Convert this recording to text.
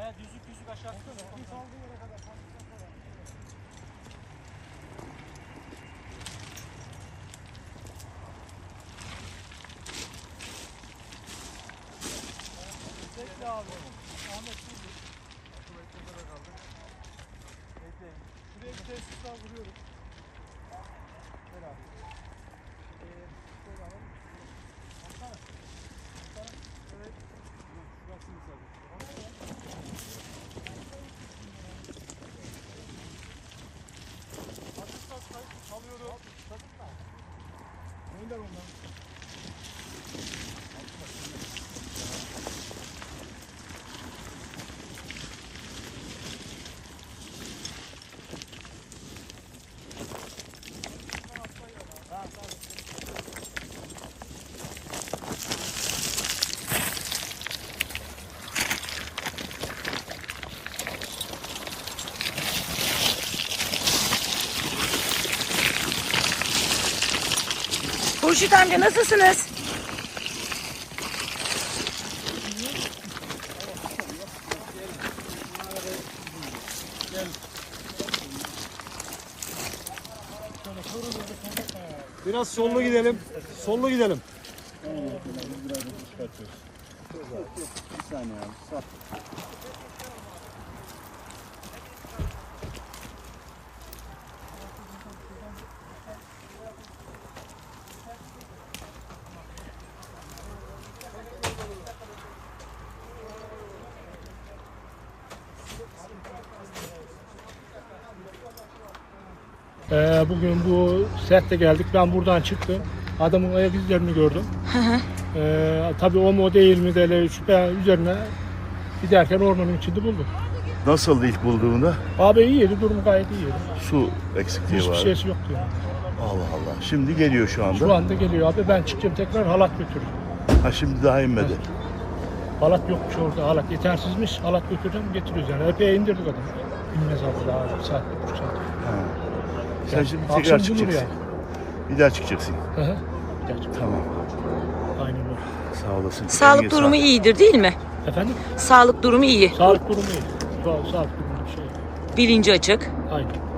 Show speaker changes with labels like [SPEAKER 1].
[SPEAKER 1] He düzlük düzlük aşağı tutsana. Bir saldığı yere kadar. Bekle abi. Ahmet dur. Akıl beklemede kaldık. Bekleyin. Şuraya bir tesis daha vuruyorum. Gel abi. Şöyle alalım. Baksana. Baksana. Evet. Şurası müsaade. Alıyorum. Gönder ondan.
[SPEAKER 2] Hurşit amca nasılsınız?
[SPEAKER 1] Biraz sollu gidelim. Sollu gidelim.
[SPEAKER 3] Bir saniye abi.
[SPEAKER 4] Bugün bu sette geldik. Ben buradan çıktım. Adamın ayak izlerini gördüm. Tabii o mu değil mi de şüphe üzerine giderken ormanın içinde buldum.
[SPEAKER 3] Nasıldı ilk bulduğunda?
[SPEAKER 4] Abi iyiydi, durum gayet iyiydi.
[SPEAKER 3] Su eksikliği
[SPEAKER 4] Hiçbir
[SPEAKER 3] var.
[SPEAKER 4] şeysi yoktu yani.
[SPEAKER 3] Allah Allah. Şimdi geliyor şu anda.
[SPEAKER 4] Şu anda geliyor abi, ben çıkacağım tekrar halat götürürüm.
[SPEAKER 3] Ha şimdi daha inmedi.
[SPEAKER 4] Halat yokmuş orada, halat yetersizmiş, halat götüreceğim getiriyoruz yani. Epey indirdik adamı. İnmez abi daha bir saat, 1,5 saat.
[SPEAKER 3] Ha. Sen
[SPEAKER 4] Yani
[SPEAKER 3] şimdi
[SPEAKER 4] akşam
[SPEAKER 3] tekrar
[SPEAKER 4] bulur
[SPEAKER 3] çıkacaksın. Bir daha çıkacaksın.
[SPEAKER 4] Hı hı. Gerçekten.
[SPEAKER 3] Tamam.
[SPEAKER 4] Aynen öyle.
[SPEAKER 3] Sağ olasın.
[SPEAKER 2] Sağlık
[SPEAKER 3] Eline
[SPEAKER 2] durumu
[SPEAKER 3] sağlık.
[SPEAKER 2] iyidir değil mi?
[SPEAKER 4] Efendim?
[SPEAKER 2] Sağlık durumu iyi.
[SPEAKER 4] Sağlık durumu iyi. Sağlık durumu bir şey.
[SPEAKER 2] Bilinci açık.
[SPEAKER 4] Aynen.